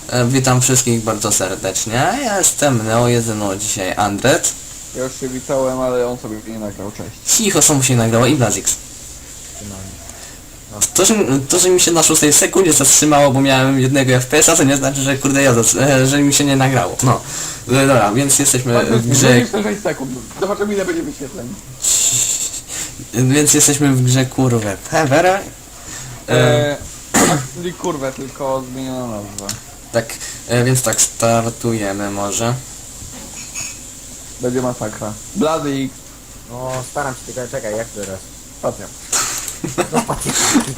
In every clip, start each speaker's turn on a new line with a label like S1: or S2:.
S1: Witam wszystkich bardzo serdecznie. Ja jestem Neo, jedyno dzisiaj Andret.
S2: Ja już się witałem, ale on sobie nie nagrał, cześć.
S1: Cicho, samo się nagrało i Blazix. To, że mi się na 6 sekundzie zatrzymało, bo miałem jednego FPS-a, to nie znaczy, że kurde że mi się nie nagrało. No. Dobra, więc jesteśmy w grze...
S2: 6 sekund, zobaczymy ile będzie wyświetleń.
S1: Więc jesteśmy w grze kurwę Pevera.
S2: Czyli kurwę, tylko zmieniono nazwę.
S1: Tak, więc tak, startujemy może.
S2: Będzie masakra. Blady X,
S3: No staram się, tylko czekaj, jak teraz?
S2: stacja.
S3: No patrz,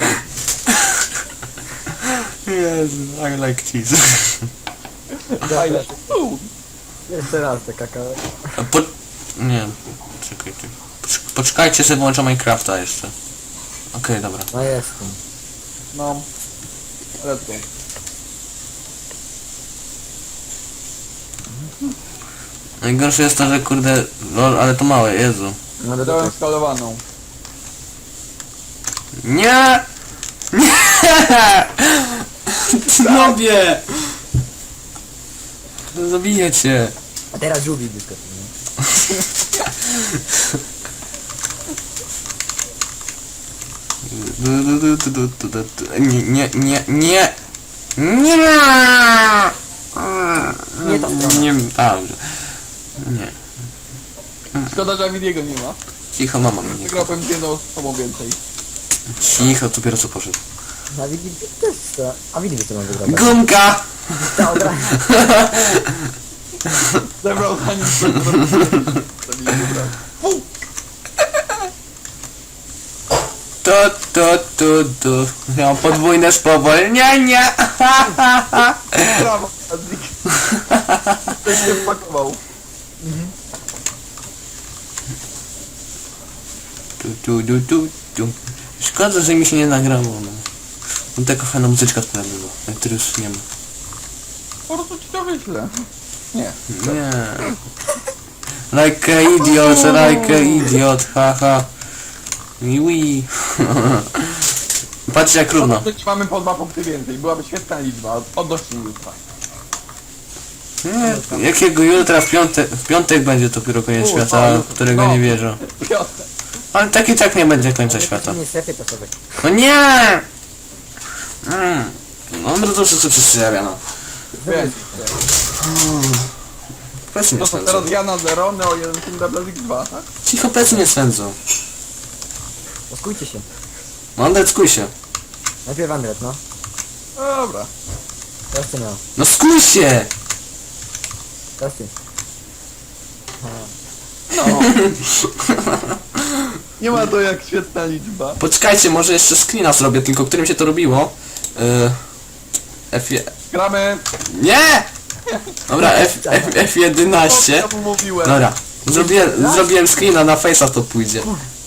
S1: Jezu, I like cheese.
S2: Fajne.
S3: jeszcze raz te kakao.
S1: Nie, czekajcie. Poczekajcie, sobie włączę Minecrafta jeszcze. Okej, dobra.
S3: No jestem.
S2: No. Let's go.
S1: Najgorsze jest to, że kurde... Lol, ale to małe, Jezu.
S3: No do
S2: Dałem skalowaną.
S1: Nie! Nie! Nobie! Zabiję cię.
S3: A teraz żółwik wyskoczył, nie?
S1: Nie, nie, nie, nie! Nie!
S3: Nie ta strona.
S1: Nie, dobrze. Nie.
S2: Szkoda, że Avidiego nie ma.
S1: Cicho, mama mnie.
S2: Wygrałem z jedną osobą więcej.
S1: Cicho, dopiero co poszedł.
S3: A widzi też to. A widzi co mam wygrać.
S1: Gumka!
S3: Ta od razu.
S2: Zebrał zanim
S1: To. Miał podwójne spowolnienie.
S2: Brawo, Azik. Ktoś się wpakował.
S1: Tu. Szkoda, że mi się nie nagrało. No. No taka fajna muzyczka która była, na której już nie ma.
S2: Po prostu ci to wyślę. Nie.
S1: Nie. Like a idiot, haha. Wii. Patrzcie jak równo.
S2: Dziś mamy po 2 punkty więcej. Byłaby świetna liczba. Odnośnie jutra.
S1: Nie, jakiego jutra w piątek będzie dopiero koniec świata, w którego nie wierzę.
S2: Piotr.
S1: Ale tak i tak nie będzie końca świata.
S3: Nie strefy to sobie.
S1: No nie! No to wszyscy przedstawia, no.
S2: Wiem.
S1: Plecy mnie
S2: No to
S1: swędzą.
S2: teraz ja na 0, Neo 1, Team Blazik 2, tak?
S1: Cicho, plecy mnie swędzą.
S3: Poskójcie się.
S1: No Andret, skuj się.
S3: Najpierw Andret, no.
S2: Dobra.
S3: Teraz ty miał.
S1: No skuj się!
S3: Teraz ty.
S2: No. Nie ma to jak świetna liczba.
S1: Poczekajcie, może jeszcze screena zrobię, tylko którym się to robiło.
S2: Gramy.
S1: Nie! Dobra, F11.
S2: Co mu mówiłem?
S1: Dobra, zrobiłem screena, na face'a to pójdzie.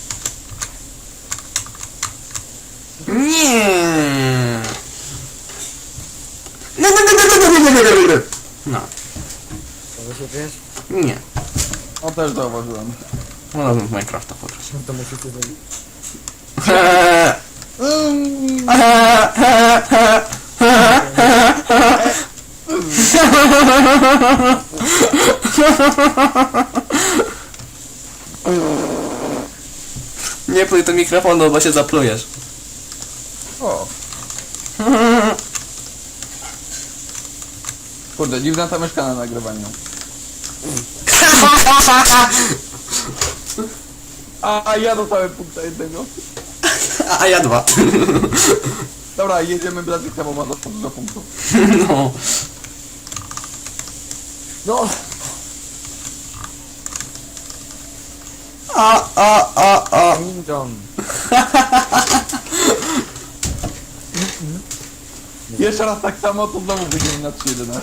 S1: Nie. No,
S3: Może się wiesz?
S1: nie.
S2: O, też zauważyłem.
S1: Wolałbym w Minecrafta po prostu.
S3: No to musicie zrobić.
S1: Nie pluj do mikrofonu, bo się zaplujesz.
S2: O. Kurde, dziwna ta myszka na nagrywaniu. A ja dostałem punkta jednego.
S1: A ja 2.
S2: Dobra, jedziemy Blazyka, bo ma dostęp do punktów.
S1: No.
S3: No!
S1: A.
S3: Ninjon.
S2: Jeszcze raz tak samo, to znowu wyjdziemy na 3.11.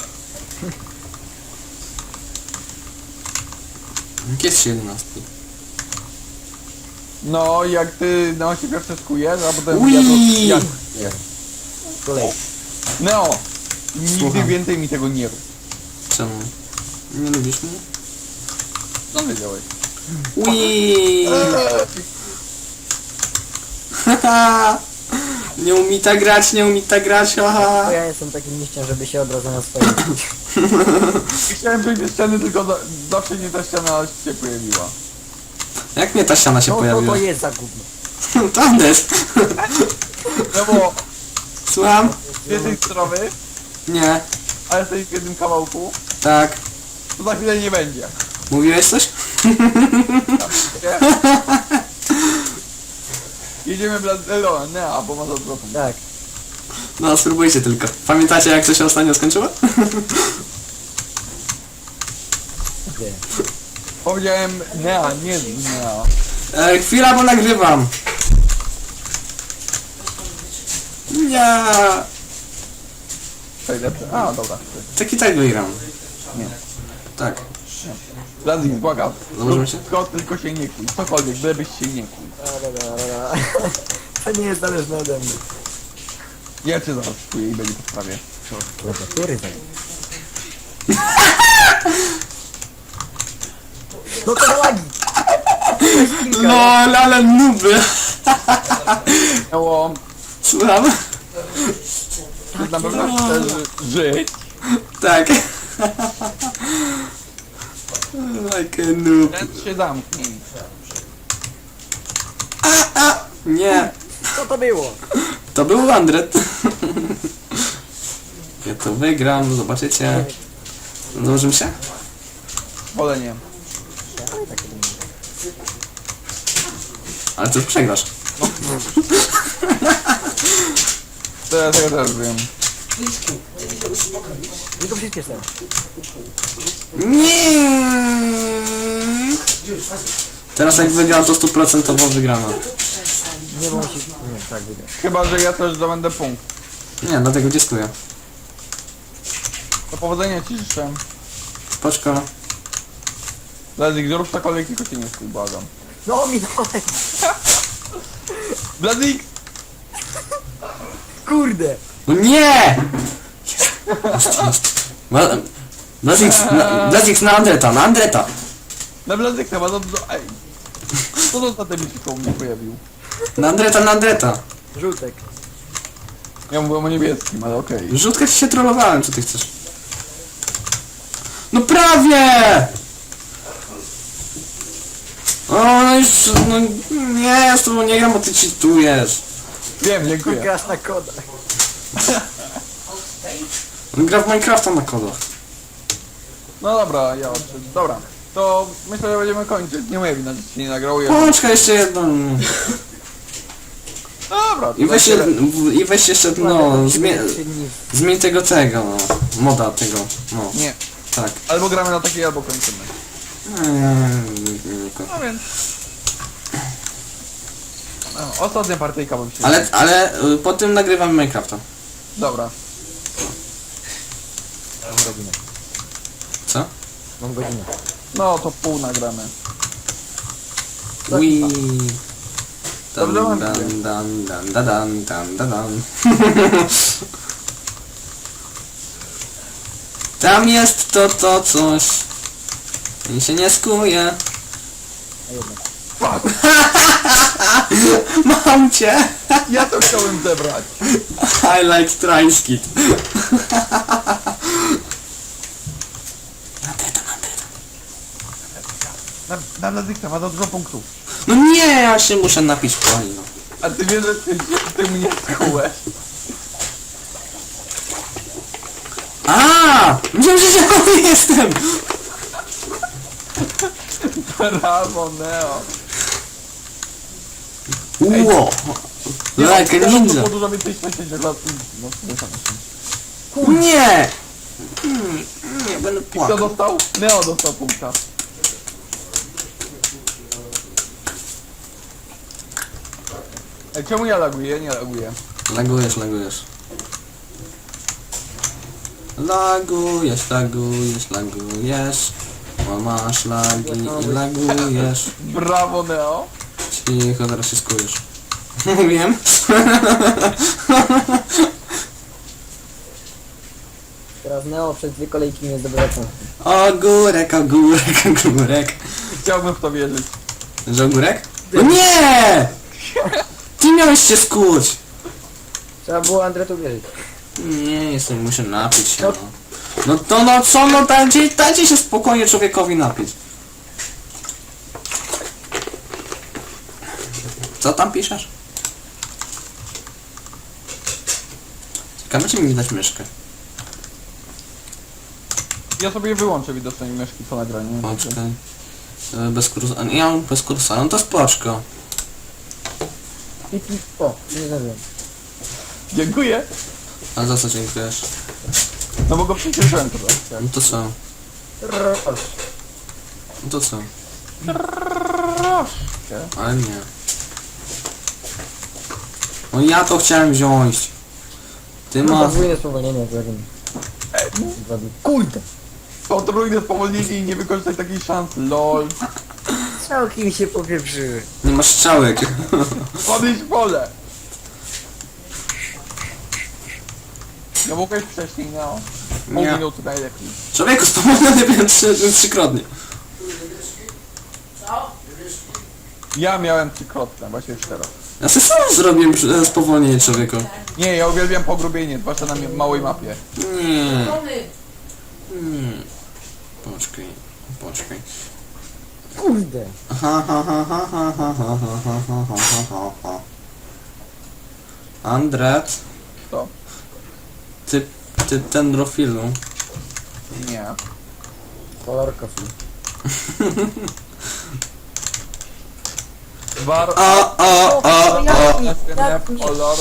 S1: Jest 11.
S2: No, jak ty no się pierwszy skujesz, a potem
S1: Ui!
S2: ja...
S3: Kolej.
S2: No! Nigdy
S1: Słucham.
S2: więcej mi tego nie rób.
S1: Czemu? Nie lubisz mnie?
S2: Co wiedziałeś?
S1: Ui! Haha! Nie umie tak grać, nie umie tak grać,
S3: Bo
S1: haha.
S3: ja jestem takim liściem, żeby się od razu na swoim...
S2: Chciałem przejść do ściany, tylko zawsze nie ta ściana się pojawiła.
S1: Jak mnie ta ściana się
S3: No to
S1: pojawiła?
S3: to jest za gówno.
S1: To Andes.
S2: No bo
S1: Słucham?
S2: z jednej strony,
S1: Nie.
S2: a jesteś w jednym kawałku,
S1: Tak.
S2: to za chwilę nie będzie.
S1: Mówiłeś coś?
S2: Nie? Jedziemy Blazelo, nie, bo ma za dużo punktów.
S3: Tak.
S1: No, spróbujcie tylko. Pamiętacie jak to się ostatnio skończyło?
S3: Gdzie?
S2: Powiedziałem nie.
S1: Chwila, bo nagrywam. Nie.
S2: Przejdę. A, dobra.
S1: Tak i tak wygram.
S2: Nie.
S1: Tak.
S2: Blazik, błagam.
S1: Założymy się?
S2: Tylko się nie kuj. Cokolwiek, bylebyś się nie kuj.
S3: Dobra. To nie jest zależne ode mnie.
S2: Ja cię zaraz kuję i będzie po sprawie.
S3: Klawiatury tak. No to za lagi!
S1: LOL, ale nuby.
S2: Miało...
S1: Słucham?
S2: Ty na pewno chcesz żyć.
S1: Tak. Like a noob.
S2: Ten się zamknij.
S1: Nie.
S3: Co to było?
S1: To był Andret. Ja to wygram, zobaczycie. Założymy się?
S2: Wolę nie.
S1: Ale to już przegrasz.
S2: To ja tego też wiem.
S3: Tylko przyspieszam.
S1: Nie. Teraz jak wygram to 100% wygrana.
S3: Nie, bo musi... Nie, tak wygra.
S2: Chyba, że ja też zdobędę punkt.
S1: Nie, dlatego dziękuję.
S2: Do powodzenia ci życzę.
S1: Spoczko.
S2: Blazik, zrób cokolwiek, tylko cię nie stój, błagam.
S3: No minąłem!
S2: Blazik!
S3: Kurde!
S1: No nie! Blazix na Andreta, na Andreta.
S2: Na Blazik chyba za dużo... Ej! Co to za debil się koło mnie pojawił?
S1: Na Andreta, na Andreta.
S3: Żółtek.
S2: Ja mówiłem o niebieskim, ale okej.
S1: Rzutkę ci się trollowałem, co ty chcesz? No prawie! O, no już, no nie, ja z tobą nie gram, bo ty cheatujesz.
S2: Wiem, dziękuję.
S3: Grasz na kodach.
S1: On gra w Minecrafta na kodach.
S2: No dobra, ja odszedł. Dobra. To myślę, że będziemy kończyć. Nie moja wina, że ci nie nagrało. Ja...
S1: Poczekaj jeszcze jedną.
S2: Dobra, to
S1: I weź,
S2: na tyle.
S1: i weź jeszcze, no, zmień tego, no, moda tego, no,
S2: Nie.
S1: tak.
S2: Albo gramy na takiej, albo kończymy. No więc... No, ostatnia partyjka bym się...
S1: Ale po tym nagrywamy Minecrafta.
S2: Dobra.
S3: Mam godzinę.
S1: Co?
S3: Mam godzinę.
S2: No to pół nagramy.
S1: Ui.
S2: Dobrze
S1: Dan,
S2: mam
S1: dan, dan, dan, dan, dan, dan, dan. Tam jest to coś. I się nie skuje.
S3: A jednak.
S2: Fuck!
S1: Mam cię!
S2: Ja to chciałem zebrać.
S1: I like Tryskit.
S2: Na Blazikta ma za dużo punktów.
S1: No nie, ja się muszę napić w poli, no.
S2: A ty wiesz, że ty mnie skułeś.
S1: A! Myślałem, że zielony jestem!
S2: Brawo, Neo.
S1: Ło! Like a ninja!
S2: To dużo więcej szczęścia lat. No, nie.
S1: Nie! Nie, będę
S2: Kto
S1: płakał.
S2: dostał? Neo dostał punkta. Ej, czemu ja laguję? Ja nie laguję.
S1: Lagujesz. Lagujesz. Bo masz lagi i lagujesz.
S2: Brawo, Neo.
S1: Cicho, zaraz się skujesz. Mówiłem?
S3: Teraz Neo przez 2 kolejki nie zdobywa punktu.
S1: Ogórek.
S2: Chciałbym w to wierzyć.
S1: Że ogórek? No nie! Ty miałeś się skuć!
S3: Trzeba było Andretu wierzyć.
S1: Nie, jestem, muszę napić się,
S3: No.
S1: no. No to no co, no dajcie się spokojnie człowiekowi napić. Co tam piszesz? Ciekawe, czy mi dać myszkę.
S2: Ja sobie wyłączę widocznie myszki po nagraniu.
S1: Poczekaj. Bez kursa. Nie, ja mam bez kursa, no to spoczko.
S3: O, nie zdążyłem.
S2: Dziękuję.
S1: A za co dziękujesz?
S2: No bo go przycieszyłem trochę.
S1: No to co? No to co?
S2: Troszkę.
S1: Ale nie. No ja to chciałem wziąć. Ty
S3: No
S1: masz...
S3: podwójne spowolnienie, kurde!
S2: Potrójne spowolnienie i nie wykorzystać takiej szansy, lol.
S3: Całkiem się popieprzyły.
S1: Nie masz strzałek.
S2: Podejść w pole. No mogłeś wcześniej, no. Pół
S1: Nie.
S2: minuty najlepiej.
S1: Człowieku, spowolniony byłem trzykrotnie.
S2: Ja miałem trzykrotne, właśnie już teraz.
S1: Ja sobie sam zrobię spowolnienie człowieku.
S2: Nie, ja uwielbiam pogrubienie, zwłaszcza na małej mapie.
S1: Nie. Nie. Poczekaj. Poczekaj.
S3: Kurde!
S1: Andret,
S2: Co?
S1: ty dendrofilu.
S2: Nie.
S3: Kolor kofi.
S2: War...
S1: O.
S2: SNF kolor...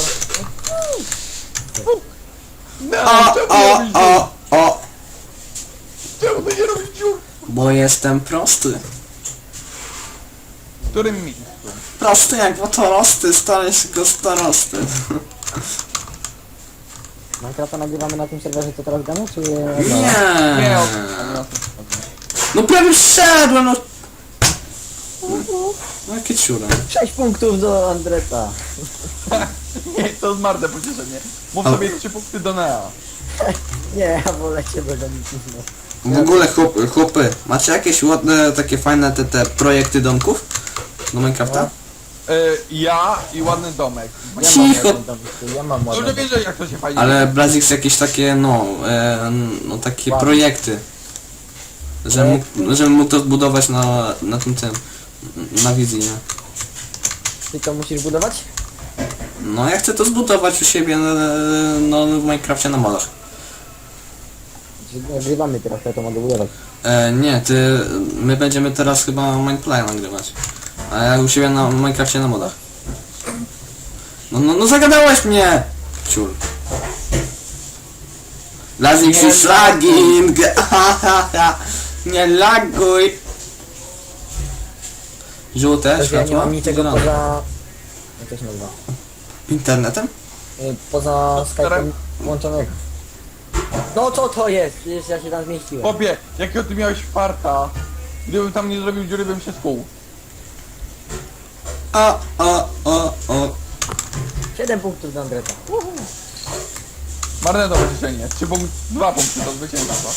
S2: No, czemu nie robisz dziur?
S1: O.
S2: Czemu ty nie robisz dziur?
S1: Bo jestem prosty.
S2: W którym miejscu?
S1: Prosty jak wotorosty, stary się go starosty.
S3: Minecrafta nagrywamy na tym serwerze, co teraz gramy, czy...
S2: Nie,
S1: Nie.
S2: o...
S1: No prawie wszedłem, no. No jakie ciure.
S3: 6 punktów do Andreta.
S2: Nie, to zmarne pocieszenie. Mów
S1: A-
S2: sobie 3 punkty do Nea.
S3: Nie, ja wolę ciebie do nic.
S1: W ogóle chłopy, macie jakieś ładne, takie fajne te projekty domków? Do Minecrafta?
S2: Ja i ładny domek.
S3: Ja
S1: Cicho.
S3: mam ładny dom, ja mam
S2: Dobrze
S3: ładny
S2: wiesz, jak to się fajnie...
S1: Ale Blazix jakieś takie, no takie
S3: Ładne.
S1: projekty. Żeby mógł to zbudować na tym, na wizji, nie?
S3: Ty to musisz budować?
S1: No ja chcę to zbudować u siebie, no w Minecrafcie na modach.
S3: Czy nagrywamy teraz, to ja to mogę budować.
S1: Nie, my będziemy teraz chyba Mineplay nagrywać. A ja u siebie na Minecrafcie na modach. No zagadałeś mnie! Ciul. Blazix is lagging! Nie laguj! Żółte
S3: Ja nie
S1: światło?
S3: mam niczego
S1: Zielone.
S3: poza... Jak to się nazywa?
S1: Internetem?
S3: Poza Skype'em włączonego. No co to jest? Przecież ja się tam zmieściłem.
S2: Popie, jakiego ty miałeś farta? Gdybym tam nie zrobił dziury, bym się skuł.
S1: O.
S3: 7 punktów do Andreta.
S2: Marne to pocieszenie. 2 punkty do zwycięstwa.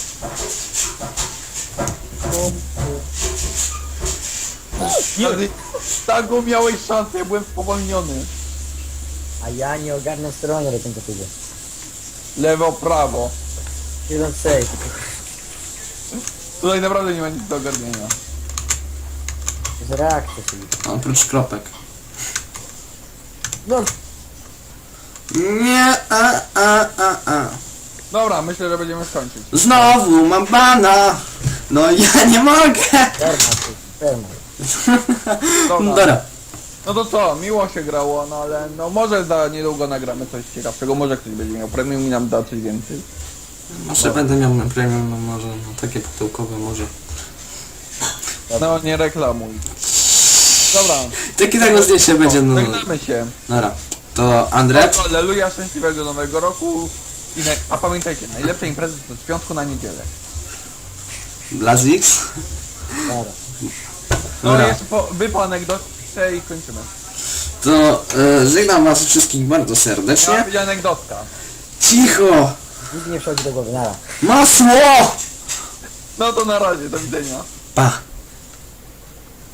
S2: Ale taką miałeś szansę, ja byłem spowolniony.
S3: A ja nie ogarnę sterowania do końca tego.
S2: Lewo, prawo.
S3: 1-6.
S2: Tutaj naprawdę nie ma nic do ogarnienia.
S3: To jest reakcja sobie.
S1: Oprócz kropek.
S3: No,
S1: Nie,
S2: Dobra, myślę, że będziemy skończyć.
S1: Znowu mam bana! No ja nie mogę!
S3: perma.
S2: Dobra.
S1: Dobra.
S2: No to co, miło się grało, no ale no może za niedługo nagramy coś ciekawszego, może ktoś będzie miał premium i nam da coś więcej.
S1: Może będę miał premium, no może, no takie pudełkowe może.
S2: No nie reklamuj. Dobra,
S1: Takie tak zdjęcie będzie, no.
S2: żegnamy się.
S1: Dobra. To Andret?
S2: Alleluja, szczęśliwego nowego roku. A pamiętajcie, najlepsze imprezy to z piątku na niedzielę.
S1: Blazix?
S3: Dobra.
S2: No
S1: Dobra.
S2: jest wy po anegdotce i kończymy.
S1: To żegnam was wszystkich bardzo
S2: Ja
S1: serdecznie.
S2: będzie anegdotka.
S1: Cicho!
S3: Nic nie przychodzi do głowy, nara.
S1: Masło!
S2: No to na razie, do widzenia.
S1: Pa!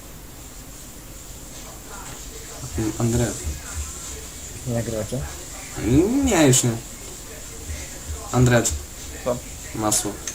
S1: Andret.
S3: Nie nagrywacie?
S1: Nie, już nie. Andret.
S2: Co?
S1: Masło.